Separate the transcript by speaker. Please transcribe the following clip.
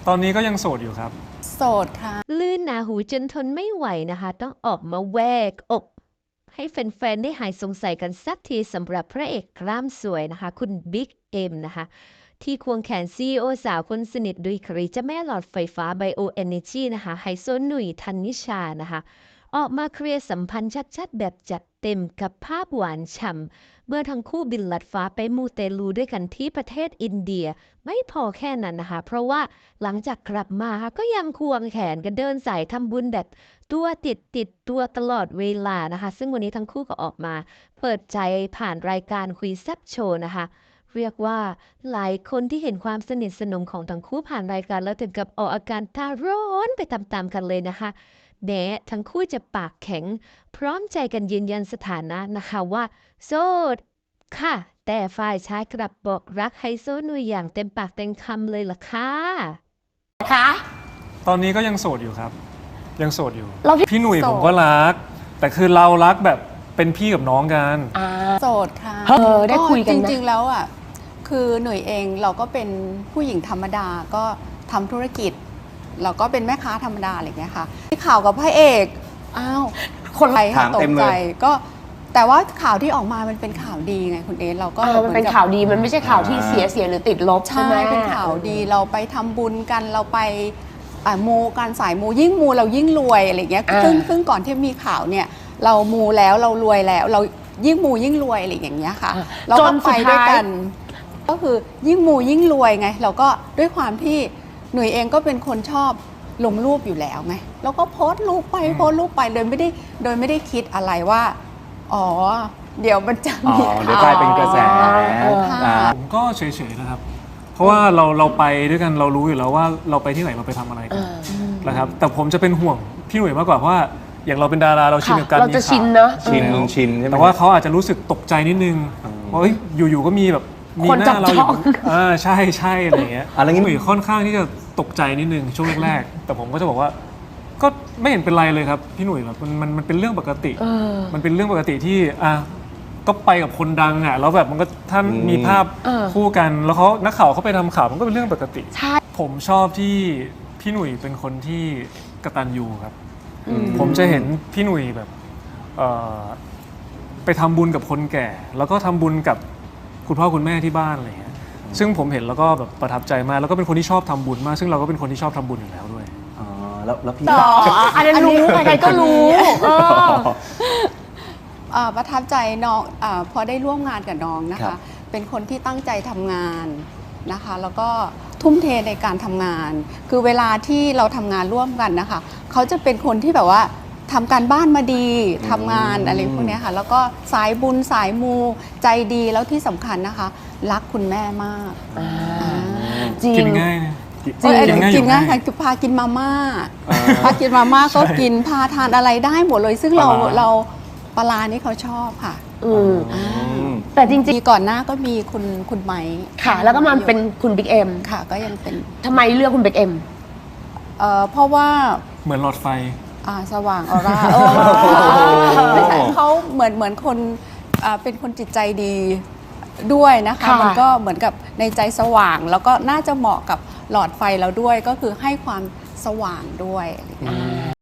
Speaker 1: ตอนนี้ก็ยังโสดอยู่ครับ
Speaker 2: โสดค่ะ
Speaker 3: ลื่นหนาหูจนทนไม่ไหวนะคะต้องออกมาแวกอกให้แฟนๆได้หายสงสัยกันสักทีสำหรับพระเอกกล้ามสวยนะคะคุณบิ๊กเอ็มนะคะที่ควงแขนซีอีโอสาวคนสนิทดุยครีเจ้าแม่หลอดไฟฟ้าไบโอเอเนจีนะคะไฮโซหนุ่ยธันนิชานะคะออกมาเคลียร์สัมพันธ์ชัดๆแบบจัดเต็มกับภาพหวานฉ่ำเมื่อทั้งคู่บินลัดฟ้าไปมูเตลูด้วยกันที่ประเทศอินเดียไม่พอแค่นั้นนะคะเพราะว่าหลังจากกลับมาก็ยังควงแขนกันเดินสายทำบุญแบบตัวติดตัวตลอดเวลานะคะซึ่งวันนี้ทั้งคู่ก็ออกมาเปิดใจผ่านรายการคุยแซ่บโชว์นะคะเรียกว่าหลายคนที่เห็นความสนิทสนมของทั้งคู่ผ่านรายการแล้วถึงกับออกอาการท่าร้อนไปตามๆกันเลยนะคะแม้ทั้งคู่จะปากแข็งพร้อมใจกันยืนยันสถานะนะคะว่าโสดค่ะแต่ฝ่ายชายกลับบอกรักไฮโซหนุ่ยอย่างเต็มปากเต็มคำเลยล่ะค่ะ
Speaker 1: ตอนนี้ก็ยังโสดอยู่ครับยังโสดอยู่
Speaker 4: เรา
Speaker 1: พี่หนุ่ยผมก็รักแต่คือเรารักแบบเป็นพี่กับน้องกัน
Speaker 2: โสดค่ะ
Speaker 4: ได้คุยกันนะ
Speaker 2: จริงๆแล้วอ่ะคือหน่วยเองเราก็เป็นผู้หญิงธรรมดาก็ทำธุรกิจเราก็เป็นแม่ค้าธรรมดาอะไรอย่างเงี้ยค่ะที่ข่าวกับพระเอกอ้าวคนไรค่ะตกใจก็แต่ว่าข่าวที่ออกมามันเป็นข่าวดีไงคุณเอสเราก็
Speaker 4: มันเป็นข่าวดีมันไม่ใช่ข่าวที่เสียหรือติดลบใช่ไหม
Speaker 2: เป็นข่าวดีเราไปทำบุญกันเราไปมูการสายมูยิ่งมูเรายิ่งรวยอะไรเงี้ยซึ่งก่อนที่มีข่าวเนี่ยเรามูแล้วเรารวยแล้วเรายิ่งมูยิ่งรวยอะไรอย่างเงี้ยค่ะเราก็ไปด้วยกันก็คือยิ่งมูยิ่งรวยไงเราก็ด้วยความที่หนุ่ยเองก็เป็นคนชอบลงรูปอยู่แล้วไงแล้วก็โพสต์รูปไปโดยไม่ได้คิดอะไรว่าอ๋อเดี๋ยวมันจะมี
Speaker 5: เดี๋ยวกลายเป็นกระแส
Speaker 1: ผมก็เฉยๆนะครับเพราะว่าเราไปด้วยกันเรารู้อยู่แล้วว่าเราไปที่ไหนเราไปทำอะไรกันนะครับแต่ผมจะเป็นห่วงพี่หนุ่ยมากกว่าเพราะว่าอย่างเราเป็นดาราเราชินกับการมีข่าว
Speaker 4: ชินเนอะ
Speaker 5: ชินใช่ไหม
Speaker 1: แต่ว่าเขาอาจจะรู้สึกตกใจนิดนึงว่าอยู่ๆก็มีแบบมีหน้าเราอยู่ใช่อะไรอย่างเงี้ยพี่หนุ่ยค่อนข้างที่จะตกใจนิดนึงช่วงแรกๆแต่ผมก็จะบอกว่าก็ไม่เห็นเป็นไรเลยครับพี่หนุ่ยแบบมันเป็นเรื่องปกติมันเป็นเรื่องปกติที่ก็ไปกับคนดังอ่ะแล้วแบบมันก็ท่านมีภาพคู่กันแล้วเขานักข่าวเขาไปทำข่าวมันก็เป็นเรื่องปกติผมชอบที่พี่หนุ่ยเป็นคนที่กตัญญูครับผมจะเห็นพี่หนุ่ยแบบไปทำบุญกับคนแก่ แล้วก็ทำบุญกับคุณพ่อคุณแม่ที่บ้านอะไรเงี้ยซึ่งผมเห็นแล้วก็แบบประทับใจมากแล้วก็เป็นคนที่ชอบทำบุญมากซึ่งเราก็เป็นคนที่ชอบทำบุญอยู่แล้วด้วย
Speaker 5: แล้วพี่
Speaker 4: อันนั้นรู้ใครๆก็รู้
Speaker 2: ประทับใจน้องพอได้ร่วมงานกับน้องนะคะเป็นคนที่ตั้งใจทำงานนะคะแล้วก็ทุ่มเทในการทำงานคือเวลาที่เราทำงานร่วมกันนะคะเขาจะเป็นคนที่แบบว่าทำการบ้านมาดีทำงานอะไรพวกนี้ค่ะแล้วก็สายบุญสายมูใจดีแล้วที่สำคัญนะคะรักคุณแม่มาก
Speaker 1: กินง่ายนะ
Speaker 2: กินง่ายค่ะพากินมาม่าก็กินพาทานอะไรได้หมดเลยซึ่งเราปลานี่เขาชอบค่ะ
Speaker 4: แต่จริง
Speaker 2: ๆก่อนหน้าก็มีคุณไม้
Speaker 4: ค่ะแล้วก็มาเป็นคุณบิ๊กเอ็ม
Speaker 2: ค่ะก็ยังเป็น
Speaker 4: ทำไมเลือกคุณบิ๊กเอ็ม
Speaker 2: เพราะว่า
Speaker 1: เหมือนหลอดไฟ
Speaker 2: สว่างออร่าไม่ใช่เขาเหมือนคนเป็นคนจิตใจดีด้วยนะคะมันก็เหมือนกับในใจสว่างแล้วก็น่าจะเหมาะกับหลอดไฟเราด้วยก็คือให้ความสว่างด้วย